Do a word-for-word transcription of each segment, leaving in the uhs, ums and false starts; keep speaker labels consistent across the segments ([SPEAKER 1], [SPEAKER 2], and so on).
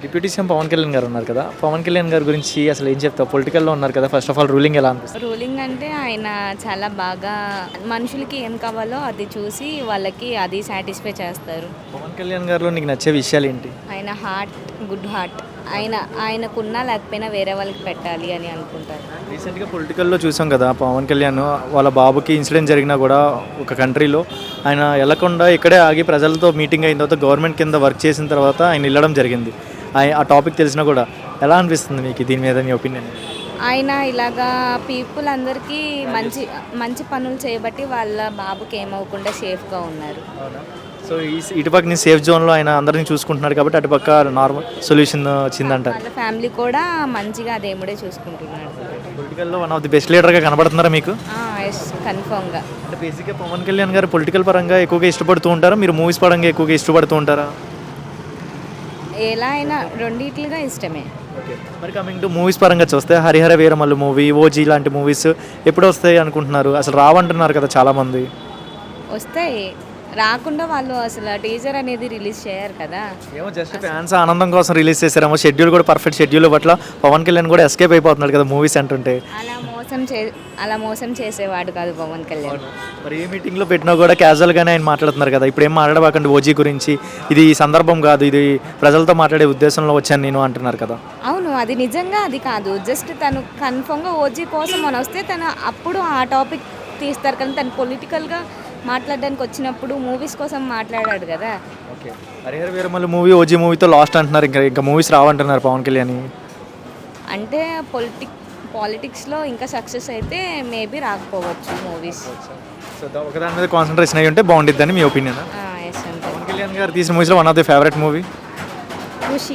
[SPEAKER 1] Deputy CM Pawan Kalyan గారు ఉన్నారు కదా, పవన్ కళ్యాణ్ గారి గురించి అసలు ఏం చెప్తావు? పొలిటికల్లో ఉన్నారు కదా, ఫస్ట్ ఆఫ్ ఆల్ రూలింగ్ ఎలా అనిపిస్తుంది?
[SPEAKER 2] రూలింగ్ అంటే ఆయన చాలా బాగా మనుషులకి ఏం కావాలో అది చూసి వాళ్ళకి అది సాటిస్ఫై చేస్తారు.
[SPEAKER 1] పవన్ కళ్యాణ్ గారిలో నీకు నచ్చే విషయాలు ఏంటి?
[SPEAKER 2] ఆయన హార్ట్ గుడ్ హార్ట్. ఆయన ఆయనకున్నా లేకపోయినా వేరే వాళ్ళకి పెట్టాలి అని అనుకుంటారు.
[SPEAKER 1] రీసెంట్గా పొలిటికల్లో చూసాం కదా, పవన్ కళ్యాణ్ వాళ్ళ బాబుకి ఇన్సిడెంట్ జరిగినా కూడా ఒక కంట్రీలో ఆయన వెళ్ళకుండా ఇక్కడే ఆగి ప్రజలతో మీటింగ్ అయిన తర్వాత గవర్నమెంట్ కింద వర్క్ చేసిన తర్వాత ఆయన వెళ్ళడం జరిగింది. ఆ టాపిక్ తెలిసినా కూడా ఎలా అనిపిస్తుంది మీకు దీని మీద మీ ఒపీనియన్?
[SPEAKER 2] ఆయన ఇలాగా పీపుల్ అందరికీ మంచి మంచి పనులు చేయబట్టి వాళ్ళ బాబుకి ఏమవకుండా సేఫ్గా ఉన్నారు.
[SPEAKER 1] సో ఈ ఇటుపక్క నీ సేఫ్ జోన్లో ఆయన అందరినీ చూసుకుంటున్నాడు కాబట్టి అటుపక్క నార్మల్ సొల్యూషన్ వచ్చిందంటారు.
[SPEAKER 2] వాళ్ళ ఫ్యామిలీ కూడా మంచిగా దేవుడే చూసుకుంటున్నాడు.
[SPEAKER 1] పొలిటికల్లో వన్ ఆఫ్ ది బెస్ట్ లీడర్గా కనబడుతున్నారా మీకు?
[SPEAKER 2] ఎస్, కన్ఫర్మ్గా.
[SPEAKER 1] అంటే బేసిక్గా పవన్ కళ్యాణ్ గారు పొలిటికల్ పరంగా ఎక్కువగా ఇష్టపడుతూ ఉంటారా, మీరు మూవీస్ పరంగా ఎక్కువగా ఇష్టపడుతూ ఉంటారా?
[SPEAKER 2] ఎలా అయినా రెండిట్లుగా ఇష్టమే.
[SPEAKER 1] ఓకే, మరి కమింగ్ టు మూవీస్ పరంగా చూస్తే హరిహర వీరమల్లు మూవీ, ఓజీ లాంటి మూవీస్ ఎప్పుడు వస్తాయి అనుకుంటున్నారు? అసలు రావంటున్నారు కదా చాలామంది.
[SPEAKER 2] వస్తాయి, రాకుండా వాళ్ళు అసలు టీజర్ అనేది రిలీజ్ చేయరు కదా.
[SPEAKER 1] ఏమో జస్ట్ ఫ్యాన్స్ ఆనందం కోసం రిలీజ్ చేశారేమో. షెడ్యూల్ కూడా పర్ఫెక్ట్ షెడ్యూల్ పట్ల పవన్ కళ్యాణ్ కూడా ఎస్కేప్ అయిపోతున్నాడు కదా మూవీస్ అంటుంటే.
[SPEAKER 2] అలా మోసం చే అలా మోసం చేసేవాడు కాదు పవన్ కళ్యాణ్.
[SPEAKER 1] మరి ఏ మీటింగ్లో పెట్టినా కూడా క్యాజువల్గానే ఆయన మాట్లాడుతున్నారు కదా. ఇప్పుడు ఏం మాట్లాడబాకండి ఓజీ గురించి, ఇది సందర్భం కాదు, ఇది ప్రజలతో మాట్లాడే ఉద్దేశంలో వచ్చాను నేను అంటున్నారు కదా.
[SPEAKER 2] అవును, అది నిజంగా అది కాదు. జస్ట్ తను కన్ఫర్మ్గా ఓజీ కోసం అని వస్తే తను అప్పుడు ఆ టాపిక్ తీస్తారు. కానీ తను పొలిటికల్గా మాట్లాడడానికి వచ్చినప్పుడు మూవీస్ కోసం మాట్లాడాడు కదా.
[SPEAKER 1] Okay, Harihara Veeramallu movie OG మూవీతో లాస్ట్ అంటున్నారు, ఇంకా ఇంకా మూవీస్ రావంటున్నారు పవన్ కళ్యాణ్.
[SPEAKER 2] అంటే పొలిటిక్ పాలిటిక్స్లో ఇంకా సక్సెస్ అయితే మేబీ రాకపోవచ్చు మూవీస్.
[SPEAKER 1] సో ఒకదాని మీద కాన్సన్ట్రేషన్ అయ్యి ఉంటే బాగుండిద్దని మీ ఒపీనియన్?
[SPEAKER 2] ఎస్ అంతే.
[SPEAKER 1] పవన్ కళ్యాణ్ గారు తీసిన మూవీస్లో one of the favourite movie
[SPEAKER 2] Khushi.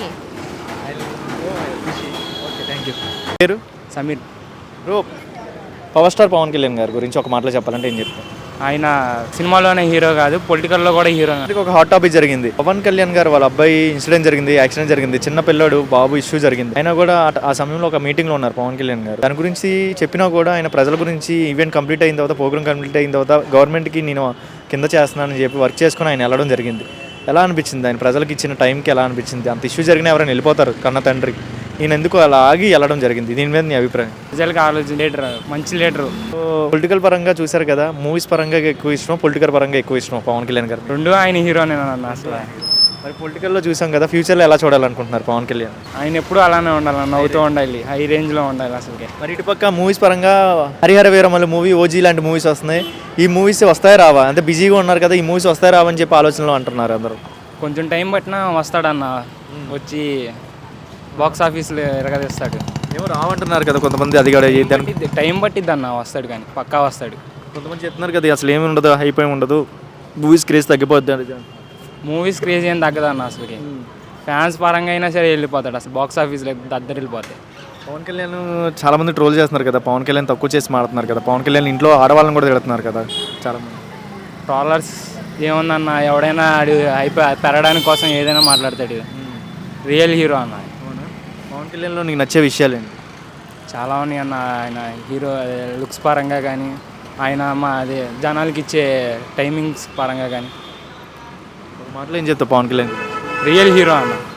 [SPEAKER 1] Okay, thank you. పేరు
[SPEAKER 3] Sameer.
[SPEAKER 1] Bro, power star Pawan Kalyan గారి గురించి ఒక మాటలో చెప్పాలంటే ఏం చెప్తారు?
[SPEAKER 3] ఆయన సినిమాలోనే హీరో కాదు, పొలిటికల్లో కూడా హీరో.
[SPEAKER 1] ఒక హాట్ టాపిక్ జరిగింది. పవన్ కళ్యాణ్ గారు వాళ్ళ అబ్బాయి ఇన్సిడెంట్ జరిగింది, యాక్సిడెంట్ జరిగింది, చిన్న పిల్లాడు బాబు ఇష్యూ జరిగింది. ఆయన కూడా ఆ సమయంలో ఒక మీటింగ్లో ఉన్నారు పవన్ కళ్యాణ్ గారు. దాని గురించి చెప్పినా కూడా ఆయన ప్రజల గురించి ఈవెంట్ కంప్లీట్ అయిన తర్వాత, ప్రోగ్రామ్ కంప్లీట్ అయిన తర్వాత గవర్నమెంట్కి నేను కింద చేస్తున్నానని చెప్పి వర్క్ చేసుకుని ఆయన వెళ్ళడం జరిగింది. ఎలా అనిపించింది? ఆయన ప్రజలకు ఇచ్చిన టైంకి ఎలా అనిపించింది? అంత ఇష్యూ జరిగినా ఎవరైనా వెళ్ళిపోతారు కన్న తండ్రి, ఈయన ఎందుకు అలా ఆగి వెళ్ళడం జరిగింది? దీని మీద నీ అభిప్రాయం?
[SPEAKER 3] ప్రజలకు ఆలోచన లీడర్, మంచి లీడరు.
[SPEAKER 1] పొలిటికల్ పరంగా చూశారు కదా, మూవీస్ పరంగా ఎక్కువ ఇష్టం, పొలిటికల్ పరంగా ఎక్కువ ఇష్టం పవన్ కళ్యాణ్ గారు?
[SPEAKER 3] రెండు ఆయన హీరోనే అన్న అసలు.
[SPEAKER 1] మరి పొలిటికల్లో చూసాం కదా, ఫ్యూచర్లో ఎలా చూడాలనుకుంటున్నారు పవన్ కళ్యాణ్?
[SPEAKER 3] ఆయన ఎప్పుడు అలానే ఉండాలి, నవ్వుతూ ఉండాలి, హై రేంజ్లో ఉండాలి అసలుకి.
[SPEAKER 1] మరి ఇటుపక్క మూవీస్ పరంగా హరిహర వీరమల్లు మూవీ, ఓజీ లాంటి మూవీస్ వస్తున్నాయి. ఈ మూవీస్ వస్తాయి రావా? అంటే బిజీగా ఉన్నారు కదా, ఈ మూవీస్ వస్తాయి రావా అని చెప్పి ఆలోచనలో అంటున్నారు అందరూ.
[SPEAKER 3] కొంచెం టైం పట్టినా వస్తాడన్న, వచ్చి బాక్స్ ఆఫీస్లో ఎరగదీస్తాడు.
[SPEAKER 1] ఏమో రావంటున్నారు కదా కొంతమంది, అది కూడా
[SPEAKER 3] టైం పట్టిద్ది అన్న, వస్తాడు కానీ పక్కా వస్తాడు.
[SPEAKER 1] కొంతమంది చెప్తున్నారు కదా అసలు ఏమి ఉండదు, హైపోయి ఉండదు, మూవీస్ క్రేజ్ తగ్గిపోద్ది.
[SPEAKER 3] మూవీస్ క్రేజ్ ఏం తగ్గదు అన్న అసలుకి. ఫ్యాన్స్ పరంగా అయినా సరే వెళ్ళిపోతాడు అసలు, బాక్స్ ఆఫీస్లో దద్దరు వెళ్ళిపోతాయి.
[SPEAKER 1] పవన్ కళ్యాణ్ చాలా మంది ట్రోల్ చేస్తున్నారు కదా, పవన్ కళ్యాణ్ తక్కువ చేసి మాడుతున్నారు కదా, పవన్ కళ్యాణ్ ఇంట్లో ఆడవాళ్ళని కూడా తిడుతున్నారు కదా చాలామంది.
[SPEAKER 3] ట్రోలర్స్ ఏముందన్న, ఎవడైనా ఆడు అయిపోయి పెరగడానికి కోసం ఏదైనా మాట్లాడతాడు. రియల్ హీరో అన్న.
[SPEAKER 1] పవన్ కళ్యాణ్లో నీకు నచ్చే విషయాలు ఏంటి?
[SPEAKER 3] చాలా ఉన్నాయి అన్న. ఆయన హీరో లుక్స్ పరంగా కానీ, ఆయన మా అదే జనాలకి ఇచ్చే టైమింగ్స్ పరంగా కానీ.
[SPEAKER 1] మాటలు ఏం చెప్తావు పవన్ కళ్యాణ్?
[SPEAKER 3] రియల్ హీరో అన్న.